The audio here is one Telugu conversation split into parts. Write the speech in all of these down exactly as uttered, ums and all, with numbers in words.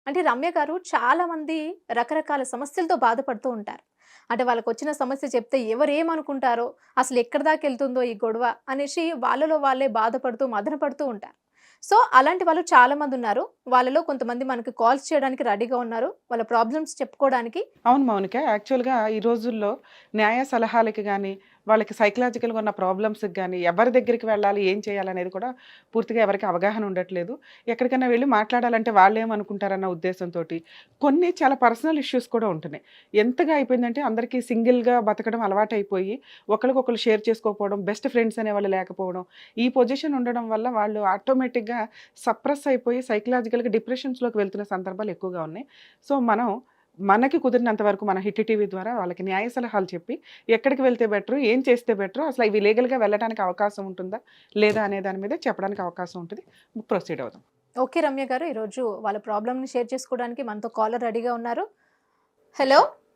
అంటే రమ్య గారు చాలా మంది రకరకాల సమస్యలతో బాధపడుతూ ఉంటారు. అంటే వాళ్ళకొచ్చిన సమస్య చెప్తే ఎవరేమనుకుంటారో, అసలు ఎక్కడి దాకెళ్తుందో ఈ గొడవ అనేసి వాళ్ళలో వాళ్ళే బాధపడుతూ, మదన పడుతూ ఉంటారు. సో, అలాంటి వాళ్ళు చాలా మందున్నారు. వాళ్ళలో కొంతమంది మనకి కాల్స్ చేయడానికి రెడీగా ఉన్నారు. వాళ్ళ ప్రాబ్లమ్స్ చెప్పుకోవడానికి. అవును మౌనిక. యాక్చువల్‌గా ఈ రోజుల్లో న్యాయ సలహాలకి గాని, వాళ్ళకి సైకలాజికల్‌గా ఉన్న ప్రాబ్లమ్స్‌కి గాని, ఎవరి దగ్గరికి వెళ్ళాలి, ఏం చేయాలనేది కూడా పూర్తిగా ఎవరికీ అవగాహన ఉండట్లేదు. ఎక్కడికైనా వెళ్లి మాట్లాడాలంటే వాళ్ళేమనుకుంటారన్న ఉద్దేశంతోటి, కొన్ని చాలా పర్సనల్ ఇష్యూస్ కూడా ఉంటున్నాయి. ఎంతగా అయిపోయిందంటే అందరికీ సింగిల్‌గా బతకడం అలవాటైపోయి, ఒకళ్ళకొకళ్ళు షేర్ చేసుకోకపోవడం, బెస్ట్ ఫ్రెండ్స్ అనేవాళ్ళు లేకపోవడం, ఈ పొజిషన్ ఉండడం వల్ల వాళ్ళు ఆటోమేటిక్‌గా సప్రెస్ అయిపోయి సైకలాజికల్‌గా డిప్రెషన్స్‌లోకి వెళ్తున్న సందర్భాలు ఎక్కువగా ఉన్నాయి. సో, మనం మనకి కుదిరినంత వరకు మన హిట్ టీవీ ద్వారా వాళ్ళకి న్యాయ సలహాలు చెప్పి, ఎక్కడికి వెళ్తే బెటరు, ఏం చేస్తే బెటరు, అసలు ఇవి లీగల్‌గా వెళ్ళడానికి అవకాశం ఉంటుందా? లేదా? అనే దాని మీద చెప్పడానికి అవకాశం ఉంటది. ప్రొసీడ్ అవుదాం. ఓకే రమ్య గారు, ఈరోజు వాళ్ళ ప్రాబ్లమ్‌ని షేర్ చేసుకోవడానికి మనతో కాలర్ రెడీగా ఉన్నారు. హలో!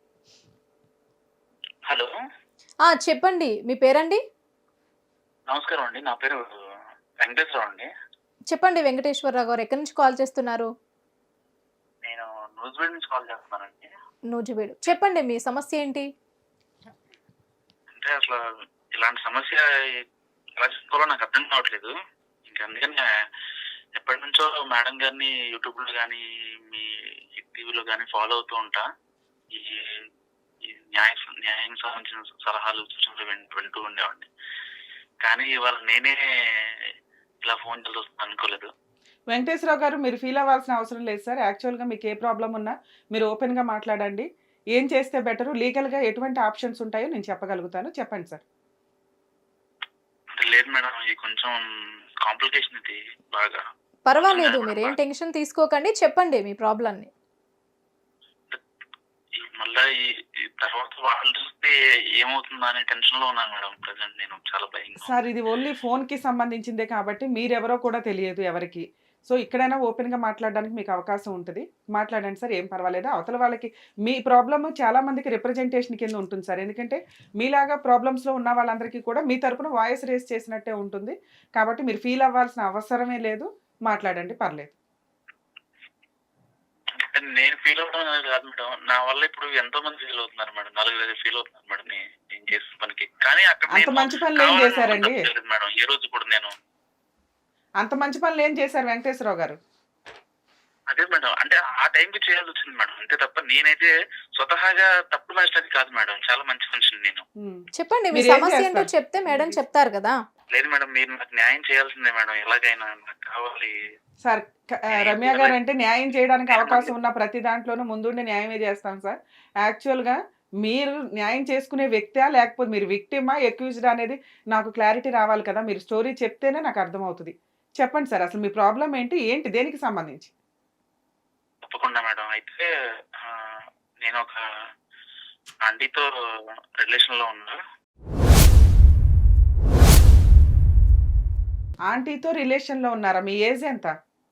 హలో! ఆ! చెప్పండి. మీ పేరండి? నమస్కారం అండి. నా పేరు వెంకటేశ్వరరావు అండి. చెప్పండి వెంకటేశ్వరరావు గారు. ఎక్కడి నుంచి కాల్ చేస్తున్నారు? నేను నూజివీడు నుంచి కాల్ చేస్తున్నానండి. నూజివీడు. చెప్పండి మీ సమస్య ఏంటి? అంటే అసలు ఇలాంటి సమస్య ఎలా చెప్పుకోవాలో నాకు అర్థం కావట్లేదు. ఇంక అందుకని ఎప్పటినుంచో మేడం గారిని యూట్యూబ్‌లో గానీ, మీ టీవీలో గానీ ఫాలో అవుతూ ఉంటా. ఈ ఈ న్యాయ న్యాయానికి సంబంధించిన సలహాలు, సూచనలు విన్ వింటూ ఉండేవాడిని. కానీ ఇవాళ నేనే ఇలా ఫోన్ చేయాల్సొస్తుంది అనుకోలేదు. వెంకటేశ్వరరావు గారు, మీరు ఫీల్ అవ్వాల్సిన అవసరం లేదు సార్. యాక్చువల్‌గా మీకు ఏ ప్రాబ్లమ్ ఉన్నా మీరు ఓపెన్‌గా మాట్లాడండి. ఏం చేస్తే బెటరు, లీగల్‌గా ఎటువంటి ఆప్షన్స్ ఉంటాయో నేను చెప్పగలుగుతాను. చెప్పండి సార్. అంటే లేదు మేడం. ఇది కొంచెం కాంప్లికేషన్ ఇది బాగా. పర్వాలేదు. మీరేం టెన్షన్ తీసుకోకండి. చెప్పండి మీ ప్రాబ్లమ్‌ని. ఈ మళ్ళా ఈ ఈ తర్వాత వాళ్ళు చూస్తే ఏమవుతుందా అనే టెన్షన్‌లో ఉన్నాను మేడం. ప్రెజెంట్ నేను చాలా భయంగా. సార్, ఇది ఓన్లీ ఫోన్‌కి సంబంధించిందే కాబట్టి మీరెవరో కూడా తెలియదు ఎవరికీ. సో, ఇక్కడైనా ఓపెన్‌గా మాట్లాడడానికి మీకు అవకాశం ఉంటది. మాట్లాడండి సార్. ఏం పర్వాలేదు. అవతల వాళ్ళకి మీ ప్రాబ్లమ్ చాలా మందికి రిప్రజెంటేషన్ కింద ఉంటుంది సార్. ఎందుకంటే మీలాగా ప్రాబ్లమ్స్‌లో ఉన్న వాళ్ళందరికీ కూడా మీ తరపున వాయిస్ రేజ్ చేసినట్టే ఉంటుంది. కాబట్టి మీరు ఫీల్ అవ్వాల్సిన అవసరమే లేదు. మాట్లాడండి, పర్లేదు. అంటే నేను ఫీల్ అవ్వడం అనేది కాదు మేడం. నా వల్ల ఇప్పుడు ఎంతో మంది ఫీల్ అవుతున్నారు మేడం. నలుగురైదుగురు ఫీల్ అవుతున్నారు మేడం నే నేను చేసిన పనికి. కానీ అక్కడ అంత నేను మంచి పనులు ఏం కావాలని చేశారండి? తప్పు చేయలేదు మేడం. ఏ రోజు కూడా నేను అంత మంచి పనులు ఏం చేశారు వెంకటేశ్వరరావు గారు? అదే మేడం. అంటే ఆ టైంకి చేయాల్సొచ్చింది మేడం. అంతే తప్ప నేనైతే స్వతహాగా తప్పుడు మనిషిని కాదు మేడం. చాలా మంచి మనిషిని నేను. హ్మ్. చెప్పండి మీ మీరేం సమస్య ఏంటో చేస్తారు? చెప్తే మేడం చెప్తారు కదా! లేదు మేడం. మీరు నాకు న్యాయం చేయాల్సిందే మేడం. ఎలాగైనా నాకు కావాలి. సార్, క ఆహ్, నేను రమ్య ఎలా గారంటే న్యాయం చేయడానికి నేను అవకాశం మళ్ళీ ఉన్న ప్రతి దాంట్లోనూ ముందుండి న్యాయమే చేస్తాం సార్. యాక్చువల్‌గా మీరు న్యాయం చేసుకునే వ్యక్తా? లేకపోతే మీరు విక్టిమా? అక్యూజ్డా? అనేది నాకు క్లారిటీ రావాలి కదా! మీరు స్టోరీ చెప్తేనే నాకు అర్థమవుతది. చెప్పండి సార్. అసలు మీ ప్రాబ్లమ్ ఏంటి? ఏంటి? దేనికి సంబంధించి? తప్పకుండా మేడం. అయితే ఆహ్, నేనొక ఆంటీతో రిలేషన్‌లో ఉన్నా. ఆంటీతో రిలేషన్‌లో ఉన్నారా? మీ ఏజ్ ఎంత?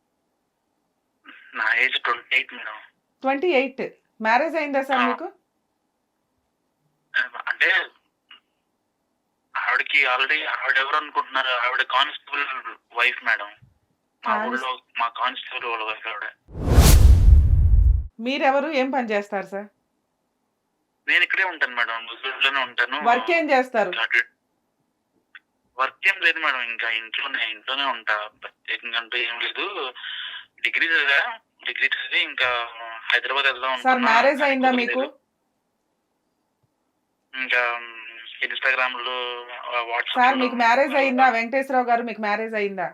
నా ఏజ్ ఇరవై ఎనిమిది మేడం. ఇరవై ఎనిమిది. మ్యారేజ్ అయిందా సార్ ఆ! మీకు? ఆహ్, అంటే ఆవిడకి ఆల్రెడీ ఆవిడెవరు అనుకుంటున్నారు? ఆవిడ కానిస్టేబుల్ వైఫ్ మేడం. మా కానిస్ ఊళ్ళో మా కానిస్టేబుల్ వాళ్ళ వైఫ్ ఆవిడ. మీరెవరు? ఏం పని చేస్తారు సార్? నేను ఇక్కడే ఉంటాను మేడం. నూజివీడులోనే ఉంటాను. వర్క్ ఏం చేస్తారు? అటు వర్క్ ఏం లేదు మేడం. ఇంకా ఇంట్లోనే ఇంట్లోనే ఉంటా. ప్రత్యేకంగా అంటూ ఏం లేదు. డిగ్రీ చదివా. డిగ్రీ చదివి ఇంకా హైదరాబాద్ వెళ్దాం సార్, అనుకున్నా. మ్యారేజ్ కానీ అయిందా మీకు? కుదరలేదు. ఇంకా ఇన్‌స్టాగ్రామ్‌లో సార్, వాట్సాప్‌లో మీకు మ్యారేజ్ అయిందా? వెంకటేశ్వరరావు గారు, మీకు మ్యారేజ్ అయిందా?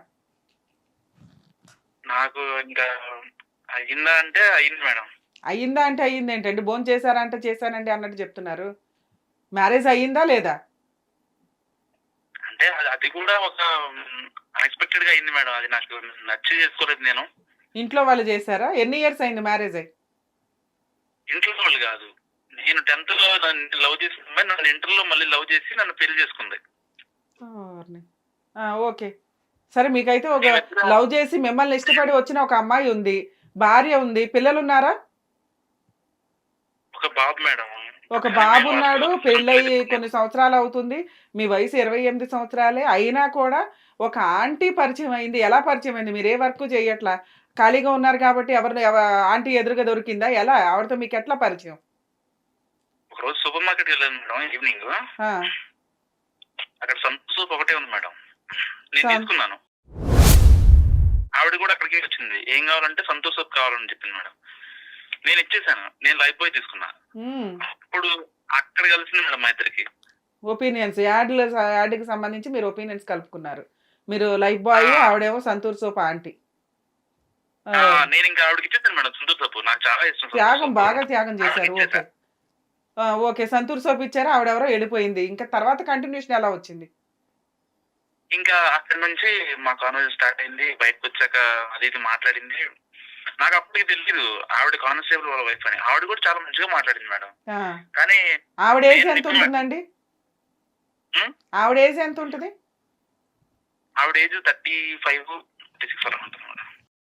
నాకు ఇంకా అయిందా అంటే అయింది మేడం. అయిందా అంటే అయిందేంటండి? భోంచేసారా అంటే చేశానండి అన్నట్టు చెప్తున్నారు. మ్యారేజ్ అయిందా లేదా? అంటే అది అది కూడా ఒక అన్‌ఎక్స్‌పెక్టెడ్‌గా అయింది మేడం. అది నాకు నచ్చి చేసుకోలేదు నేను. ఇంట్లో వాళ్ళు చేశారా? ఎన్ని ఇయర్స్ అయింది మ్యారేజ్ అయ్యి? ఇంట్లో వాళ్ళు కాదు. నేను 10థ్‌లో నన్ను లవ్ చేసిన అమ్మాయి నన్ను ఇంటర్‌లో మళ్ళీ లవ్ చేసి నన్ను పెళ్లి చేసుకుంది. ఓర్ని. ఆ! ఓకే. సరే, మీకైతే ఒక మేమిద్దరం లవ్ చేసి మిమ్మల్ని ఇష్టపడి వచ్చిన ఒక అమ్మాయి ఉంది. భార్య ఉంది. పిల్లలున్నారా? ఒక బాబు మేడం. ఒక కానీ మేము బాబున్నాడు. అసలు పెళ్ళయి కంప్లీట్ కొన్ని సంవత్సరాలవుతుంది. మీ వయసు ఇరవై ఎనిమిది సంవత్సరాలే. అయినా కూడా ఒక ఆంటీ పరిచయం అయింది. ఎలా పరిచయం అయింది? మీరు ఏ వర్కు చేయట్లా. ఖాళీగా ఉన్నారు కాబట్టి ఎవరిని ఎవ ఆంటీ ఎదురుగా దొరికిందా? ఎలా? ఆవిడతో మీకు ఎట్లా పరిచయం? ఒకరోజు సూపర్ మార్కెట్‌కి వెళ్ళాను మేడం ఈవినింగ్. ఆ! అక్కడ సంతూర్ సోప్ ఒకటే ఉంది మేడం. నేను సం తీసుకున్నాను. ఆవిడ కూడా అక్కడికే వచ్చింది. ఏం కావాలంటే సంతూర్ సోప్ కావాలని చెప్పింది మేడం. నేను ఇచ్చేసాను. నేను లైఫ్ బాయ్ తీసుకున్నా. హ్మ్. అప్పుడు అక్కడ కలిసింది మేడం మా ఇద్దరికి. ఒపీనియన్స్ యాడ్‌ల స యాడ్‌కి సంబంధించి మీరు ఒపీనియన్స్ కలుపుకున్నారు. మీరు లైఫ్ ఆ! బాయ్, ఆవిడేమో సంతూర్ సోప్ ఆంటీ. ఆ! ఆ! నేనింకా ఆవిడకి ఇచ్చేసాను మేడం సంతూర్ సోప్. నాకు చాలా ఇష్టం సంతూర్ త్యాగం సోప్. బాగా త్యాగం ఆవిడకి చేశారు. ఓకే. ఇచ్చేసా. ఆ! ఓకే. సంతూర్ సోప్ ఇచ్చారు. ఆవిడెవరో ఎళ్ళిపోయింది. ఇంకా తర్వాత కంటిన్యూషన్ ఎలా వచ్చింది? ఇంకా అక్కడి నుంచి మా కాన్వర్జేషన్ స్టార్ట్ అయింది. బయటకొచ్చాక అది ఇది మాట్లాడింది. నాకు అప్పటికి తెలీదు ఆవిడ కానిస్టేబుల్ వాళ్ళ వైఫ్ అని. ఆవిడ కూడా చాలా మంచిగా మాట్లాడింది మేడం. ఆ! కానీ ఆవిడ ఏజ్ నేను ఎంత ఇప్పుడు ఉంటుందండి? హ్మ్. ఆవిడ ఏజ్ ఎంత ఉంటది? ఆవిడ age thirty five, thirty six అలా ఉంటుంది మేడం.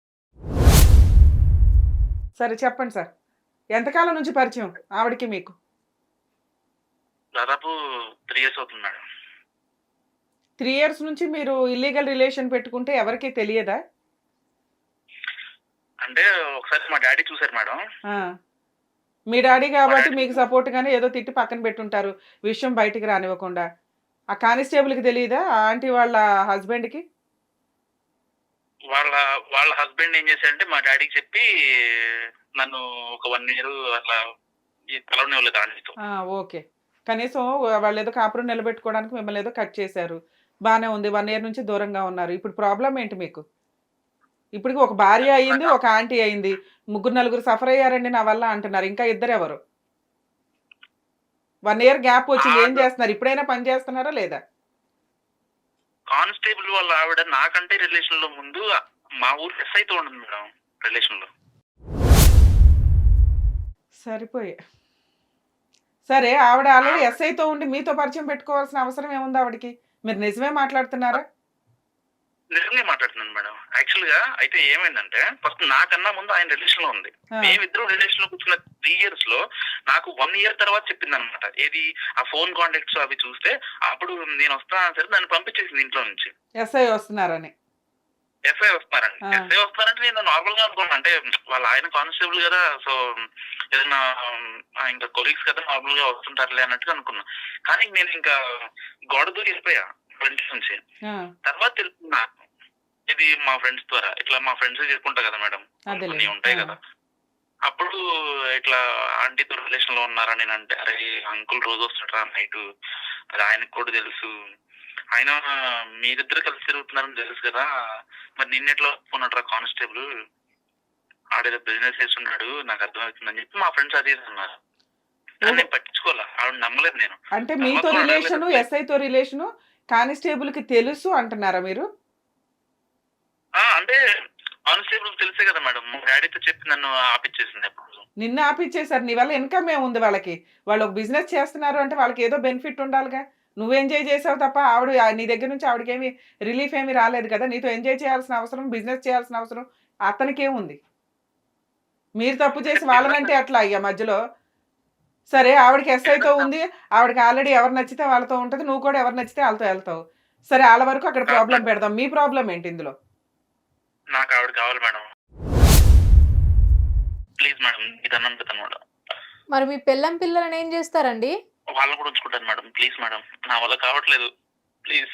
సరే చెప్పండి సార్. ఎంతకాలం నుంచి పరిచయం ఆవిడకి మీకు? దాదాపు త్రీ ఇయర్స్ అవుతుంది మేడం. మూడు ఇయర్స్ నుంచి మీరు ఇల్లీగల్ రిలేషన్ పెట్టుకుంటే ఎవరికీ తెలియదా? అంటే ఒకసారి మా డ్యాడీ చూసారు మేడం. ఆ! మీ డ్యాడీ మా కాబట్టి డ్యాడీ మీకు సపోర్ట్‌గానే ఏదో తిట్టి పక్కన పెట్టుంటారు. విషయం బయటికి రానివ్వకుండా. ఆ కానిస్టేబుల్‌కి తెలీదా? ఆ ఆంటీ వాళ్ళ హస్బెండ్‌కి? వాళ్ళ వాళ్ళ హస్బెండ్ ఏం చేశారంటే మా డ్యాడీకి చెప్పి నన్ను ఒక వన్ ఇయర్ అట్లా ఈ కలవనివ్వలేదు ఆంటీతో. ఆ! ఓకే. కనీసం వాళ్ళేదో కాపురం నిలబెట్టుకోవడానికి మిమ్మల్ని ఏదో కట్ చేశారు. బానే ఉంది. ఒక ఇయర్ నుంచి దూరంగా ఉన్నారు. ఇప్పుడు ప్రాబ్లమ్ ఏంటి మీకు? ఇప్పటికి ఒక భార్య అయింది, నాకు ఒక ఆంటీ అయింది. ముగ్గురు, నలుగురు సఫర్ అయ్యారండి నా వల్ల అంటున్నారు. ఇంకా ఇద్దరెవరు? ఒక ఇయర్ గ్యాప్ వచ్చింది. ఏం ఆవిడ చేస్తున్నారు? ఇప్పుడైనా పని చేస్తున్నారా లేదా? కానిస్టేబుల్ వాళ్ళ ఆవిడ నాకంటే రిలేషన్ లో ముందు మా ఊరు ఎస్ఐతో ఉంటుంది మేడం రిలేషన్ లో. సరిపోయే. సరే ఆవిడ ఆల్రెడీ ఆవిడ ఎస్ఐతో ఉండి మీతో పరిచయం పెట్టుకోవాల్సిన అవసరం ఏముంది ఆవిడకి? మీరు నిజమే మాట్లాడుతున్నారా? నిజంగా మాట్లాడుతున్నాను మేడం. యాక్చువల్ గా అయితే ఏమైందంటే ఫస్ట్ నాకన్నా ముందు ఆయన రిలేషన్ లో ఉంది. ఆ! మేమిద్దరం రిలేషన్ లో కూర్చున్న త్రీ ఇయర్స్ లో నాకు వన్ ఇయర్ తర్వాత చెప్పింది అనమాట. ఏది ఆ ఫోన్ కాంటాక్ట్స్ అవి చూస్తే అప్పుడు నేను వస్తున్నా సరే నన్ను పంపించేసింది ఇంట్లో నుంచి. ఎస్ఐ వస్తున్నారని. ఎస్ఐ వస్తున్నారండి. ఆ! ఎస్ఐ వస్తున్నారంటే నేను నార్మల్ గా అనుకున్నాను. అంటే వాళ్ళ ఆయన కానిస్టేబుల్ కదా, సో ఏదైనా ఆ, ఇంకా కొలీగ్స్ కదా నార్మల్ గా వస్తుంటారులే అన్నట్టుగా అనుకున్నా. కానీ నేను ఇంకా గోడ దూరి వెళ్ళిపోయా ఫ్రెండ్స్ నుంచి. ఆ! తర్వాత తెలుసుకున్నా ఇది మా ఫ్రెండ్స్ ద్వారా. ఇట్లా మా ఫ్రెండ్స్ చెప్పుకుంటా కదా మేడం, కొన్ని కొన్ని అదేలెండి. ఉంటాయి ఆ! కదా. అప్పుడు ఇట్లా ఆంటీతో రిలేషన్ లో ఉన్నారా నేను అంటే, అరే అంకుల్ రోజు వస్తుంటారా నైట్, అది ఆయనకు కూడా తెలుసు. ఆయన మీరిద్దరు కలిసి తిరుగుతున్నారని తెలుసు కదా, మరి నిన్నెట్లా ఒప్పుకున్నట్రా కానిస్టేబుల్, ఆడేదో బిజినెస్ చేస్తున్నాడు నాకు అర్థమవుతుందని చెప్పి మా ఫ్రెండ్స్ అది ఇది అన్నారు. కానీ ఓహో! నేను పట్టించుకోవాలా, ఆవిడ నమ్మలేదు నేను. అంటే తర్వాత మీతో కూడా రిలేషను, అడగలేదు. ఎస్ఐతో రిలేషను కానిస్టేబుల్‌కి తెలుసు అంటున్నారా మీరు? ఆ, అంటే కానిస్టేబుల్ తెలుసే కదా మేడం, మా డాడీతో చెప్పి నన్ను ఆపిచ్చేసింది అప్పుడు. నిన్ను ఆపిచ్చేసారు. నీ వల్ల ఇన్‌కమ్ ఏముంది వాళ్ళకి? వాళ్ళు ఒక బిజినెస్ చేస్తున్నారు అంటే వాళ్ళకి ఏదో బెనిఫిట్ ఉండాలిగా. నువ్వు ఎంజాయ్ చేసావు తప్ప ఆవిడ ఆహ్, నీ దగ్గర నుంచి ఆవిడకేమి రిలీఫ్ ఏమి రాలేదు కదా! నీతో ఎంజాయ్ చేయాల్సిన అవసరం, బిజినెస్ చేయాల్సిన అవసరం అతనికేముంది? మీరు తప్పు అంటే చేసి బిజినెస్ వాళ్ళనంటే ఎట్లా అయ్యా మధ్యలో? సరే ఆవిడకి ఎస్ఐతో బిజినెస్ ఉంది. ఆవిడకి ఆల్రెడీ ఎవరు నచ్చితే వాళ్ళతో ఉంటది. నువ్వు కూడా ఎవరు నచ్చితే ఆళ్ళతో ఎళ్తావు. సరే ఆళ్ళ వరకు అక్కడ ప్రాబ్లమ్ పెడదాం. మీ ప్రాబ్లమ్ ఏంటి ఇందులో? నాకు ఆవిడ కావాలి మేడం. ప్లీజ్ మేడం మీ దండం పెడతాను మేడం. మరి మీ పెళ్ళాం పిల్లలని ఏం చేస్తారండి? వాళ్ళని కూడా ఉంచుకుంటాను మేడం. ప్లీజ్ మేడం, నా వల్ల కావట్లేదు. ప్లీజ్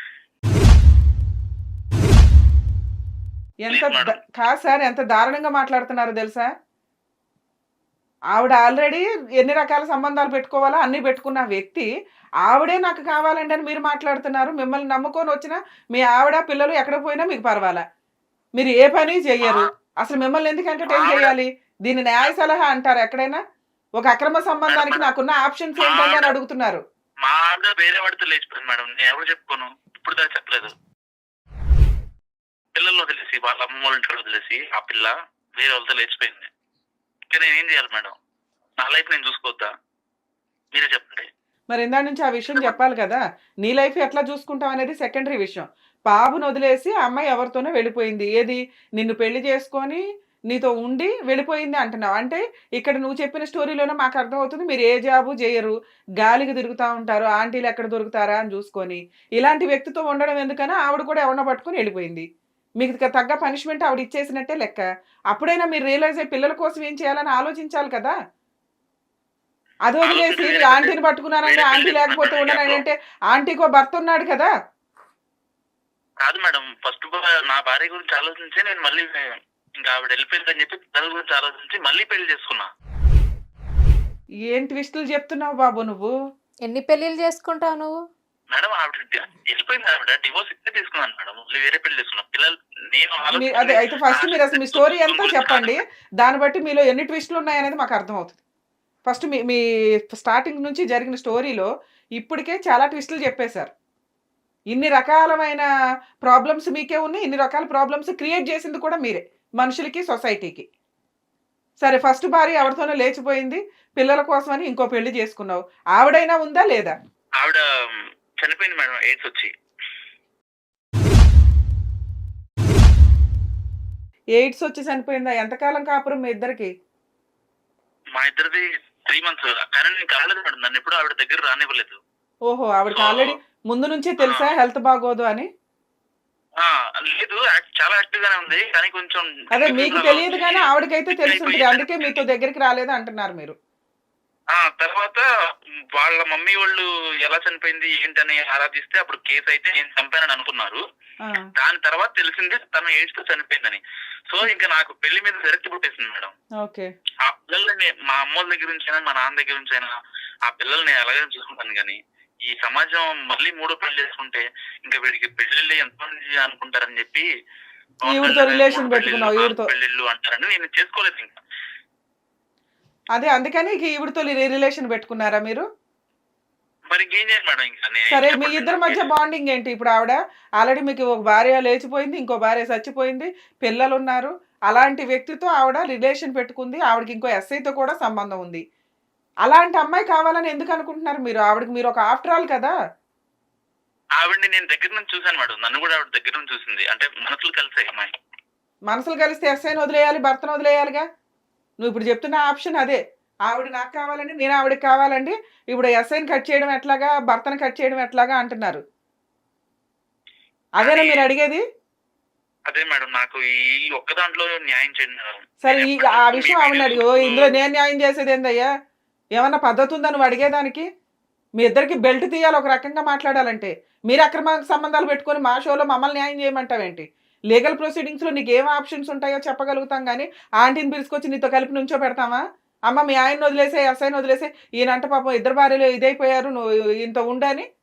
ఎంత ప్లీజ్ ద మేడం. కాదు సార్ ఎంత దారుణంగా మాట్లాడుతున్నారో తెలుసా? ఆవిడ ఆల్రెడీ ఎన్ని రకాల సంబంధాలు పెట్టుకోవాలో అన్నీ పెట్టుకున్న వ్యక్తి, ఆవిడే నాకు కావాలండి అని మీరు మాట్లాడుతున్నారు. మిమ్మల్ని నమ్ముకొని వచ్చిన మీ ఆవిడ, పిల్లలు ఎక్కడికి పోయినా మీకు పర్వాలా. మీరు ఏ పని మా చెయ్యరు. అసలు మిమ్మల్ని ఎందుకు మా ఎంటర్‌టైన్ ఆవిడ చేయాలి? దీన్ని న్యాయ సలహా అంటారా ఎక్కడైనా? ఒక అక్రమ మేడం సంబంధానికి మేడం నాకున్న ఆప్షన్స్ మా ఏంటండి ఆవిడ అని అడుగుతున్నారు. మా ఆవిడ వేరే వాడితో లేచిపోయింది మేడం. నేను ఎవరు చెప్పుకోను. ఇప్పుడు దాకా చెప్పలేదు. పిల్లల్ని వదిలేసి వాళ్ళ అమ్మ వాళ్ళ ఇంట్లో వదిలేసి ఆ పిల్ల వేరే వాళ్ళతో లేచిపోయింది. ఇంకా నేను ఏం చేయాలి మేడం? నా లైఫ్ నేను చూసుకోవద్దా? మీరే చెప్పండి. మరి ఇందాక నుంచి ఆ విషయం చెప్పండి. చెప్పాలి కదా! నీ లైఫ్ ఎట్లా చూసుకుంటావు అనేది సెకండరీ విషయం. బాబుని వదిలేసి ఆ అమ్మాయి ఎవరితోనో వెళ్ళిపోయింది. ఏది? నిన్ను పెళ్లి చేసుకొని నీతో ఉండి వెళ్ళిపోయింది అంటున్నావు. అంటే ఇక్కడ నువ్వు చెప్పిన స్టోరీలోనే మాకు అర్థమవుతుంది మీరు ఏ జాబు చేయరు. గాలికి తిరుగుతా ఉంటారు. ఆంటీలు ఎక్కడ దొరుకుతారా అని చూసుకొని. ఇలాంటి వ్యక్తితో ఉండడం ఎందుకని ఆవిడ కూడా ఎవరినో పట్టుకొని వెళ్ళిపోయింది. మీకు తగ్గ పనిష్మెంట్ ఆవిడ ఇచ్చేసినట్టే లెక్క. అప్పుడైనా మీరు రియలైజ్ అయ్యి పిల్లల కోసం ఏం చేయాలని ఆలోచించాలి కదా! అది వదిలేసి ఆలోచన నీ వేరే ఆంటీని పెళ్లి పట్టుకున్నానండి, వేరే ఆంటీ పెళ్లి లేకపోతే చేసుకున్నాను ఉండనని గ్యాప్‌లో. అంటే ఆంటీకో భర్త ఉన్నాడు కదా! కాదు మేడం. ఫస్ట్ బా నా భార్య గురించి ఆలోచించే నేను మళ్ళీ ఇంకా ఆవిడ వెళ్ళిపోయిందని చెప్పి పిల్లల గురించి ఆలోచించి మళ్ళీ పెళ్లి చేసుకున్నా. ఏం ట్విస్టులు చెప్తున్నావు బాబు నువ్వు? ఎన్ని పెళ్ళిళ్ళు చేసుకుంటావు నువ్వు? మేడం ఆవిడ డి వెళ్ళిపోయింది ఆవిడ. డివోర్స్ ఇప్పుడే తీసుకున్నాను మేడం. మళ్ళీ వేరే పెళ్లి చేసుకున్నా. పిల్లలు నేను మీ అదే ఆలోచించింది అయితే ఫస్ట్ నా మీరు అసలు మీ సుఖం స్టోరీ సుఖం ఎంతో గురించి కాదు చెప్పండి. మేడం. దాన్ని బట్టి మీలో ఎన్ని ట్విస్టులు ఉన్నాయనేది మాకు అర్థమవుతది. ఫస్ట్ మీ మీ స్టార్టింగ్ నుంచి జరిగిన స్టోరీలో ఇప్పటికే చాలా ట్విస్టులు చెప్పేశారు. ఇన్ని రకాలమైన ప్రాబ్లమ్స్ మీకే ఉన్నాయి. ఇన్ని రకాల ప్రాబ్లమ్స్ క్రియేట్ చేసింది కూడా మీరే. మనుషులకి, సొసైటీకి. సరే ఫస్ట్ భార్య ఎవరితోనో లేచిపోయింది. పిల్లల కోసమని ఇంకో పెళ్లి చేసుకున్నావు. ఆవిడైనా ఉందా లేదా? ఆవిడ చనిపోయింది మేడం ఎయిడ్స్ వచ్చి. ఎయిడ్స్ వచ్చి చనిపోయిందా? ఎంతకాలం కాపురం మీ ఇద్దరికి? మా ఇద్దరిది మూడు మంత్స్. కానీ నేను కలవలేదు మేడం. నన్ను ఎప్పుడు ఆవిడ దగ్గర రానివ్వలేదు. ఓహో! ఆవిడకి సో ఆల్రెడీ ముందు నుంచే ఆ! తెలుసా హెల్త్ బాగోదు అని? ఆ! లేదు. యాక్ట్ చాలా యాక్టివ్ గానే ఉంది. కానీ కొంచెం అదే గిల్టీ మీకు ఫీవర్ అలా తెలియదు వచ్చి గానీ ఆవిడకైతే సిక్ అయిపోయి తెలిసుంటది. అందుకే మీతో చనిపోయింది. దగ్గరికి రాలేదు అంటున్నారు మీరు. ఆ! తర్వాత వాళ్ళ మమ్మీ వాళ్ళు ఎలా చనిపోయింది ఏంటని ఆరాధిస్తే అప్పుడు కేస్ అయితే నేను చంపానని అనుకున్నారు. ఆ! దాని తర్వాత తెలిసింది తను ఎయిడ్స్‌తో చనిపోయిందని. సో ఇంక నాకు పెళ్లి మీద విరక్తి పుట్టేసింది మేడం. ఓకే. ఆ పిల్లల్ని మా అమ్మోళ్ళ దగ్గర నుంచైనా, మా నాన్న దగ్గర నుంచైనా ఆ పిల్లల్ని ఎలాగైనా చూసుకుంటాను గానీ, ఈ సమాజం మళ్ళీ మూడో పెళ్లి చేసుకుంటే ఇంక వీడికి పెళ్ళిళ్ళే ఎంతమంది అనుకుంటారని చెప్పి పవన్ ఈవిడతో కళ్యాణ్ రిలేషన్ మూడు పెళ్ళిళ్ళు, పెట్టుకున్నావు నాలుగు ఈవిడతో. పెళ్ళిళ్ళు అంటారని నేను చేసుకోలేదు ఇంక. అదే అందుకని ఇక ఈవిడతో రి రిలేషన్ పెట్టుకున్నారా మీరు? మరి ఇంకేం చేయాలి మేడం ఇంకా నేను సరే మీ చెప్పండి ఇద్దరి నాకు మధ్య ఏది బాండింగ్ ఏంటి? ఇప్పుడు ఆవిడ ఆల్రెడీ మీకు ఒక భార్య లేచిపోయింది. ఇంకో భార్య చచ్చిపోయింది. పిల్లలున్నారు. అలాంటి వ్యక్తితో ఆవిడ రిలేషన్ పెట్టుకుంది. ఆవిడకి ఇంకో ఎస్ఐతో కూడా సంబంధం ఉంది. అలాంటి అమ్మాయి కావాలని ఎందుకు అనుకుంటున్నారు మీరు? ఆవిడకి మీరు ఒక ఆఫ్టర్ ఆల్ కదా! ఆవిడని నేను దగ్గర నుంచి చూసాను మేడం. నన్ను కూడా ఆవిడ దగ్గర నుంచి చూసింది. అంటే మనసులు కలిసాయి అమ్మాయి. మనసులు కలిస్తే ఎస్ఐని వదిలేయాలి, భర్తను వదిలేయాలిగా. నువ్వు ఇప్పుడు చెప్తున్న ఆప్షన్ అదే. ఆవిడ నాకు కావాలండి, నేను ఆవిడకి కావాలండి. ఇప్పుడు ఎస్ఐని కట్ చేయడం ఎట్లాగా, భర్తను కట్ చేయడం ఎట్లాగా అంటున్నారు. అదేనా అది మీరు అడిగేది? అదే మేడం. నాకు ఈ ఒక్క దాంట్లో న్యాయం చేయండి మేడం. సరే నేను ఈ ఎప్పటి ఆ నుంచో మీ విషయం ఆవిడని వీడియోస్ అడిగి, ఓ చూస్తూ ఇందులో నేను న్యాయం చేసేది ఏందయ్యా? ఏమన్నా పద్ధతి ఉందా నువ్వు అడిగేదానికి? మీ ఇద్దరికి బెల్ట్ తీయాలి ఒక రకంగా మాట్లాడాలంటే. మీరు అక్రమ సంబంధాలు పెట్టుకొని మా షోలో మమ్మల్ని న్యాయం చేయమంటావేంటి? లీగల్ ప్రొసీడింగ్స్‌లో నీకేం ఆప్షన్స్ ఉంటాయో చెప్పగలుగుతాం గానీ, ఆంటీని పిలుచుకొచ్చి నీతో కలిపి నుంచోబెడతామా? అమ్మ మీ ఆయన్ని వదిలేసేయ్, ఎస్ఐని వదిలేసేయ్. ఈయనంట పాపం ఇద్దరు భార్యలు ఇదైపోయారు. నువ్వు ఈయనతో ఉండని.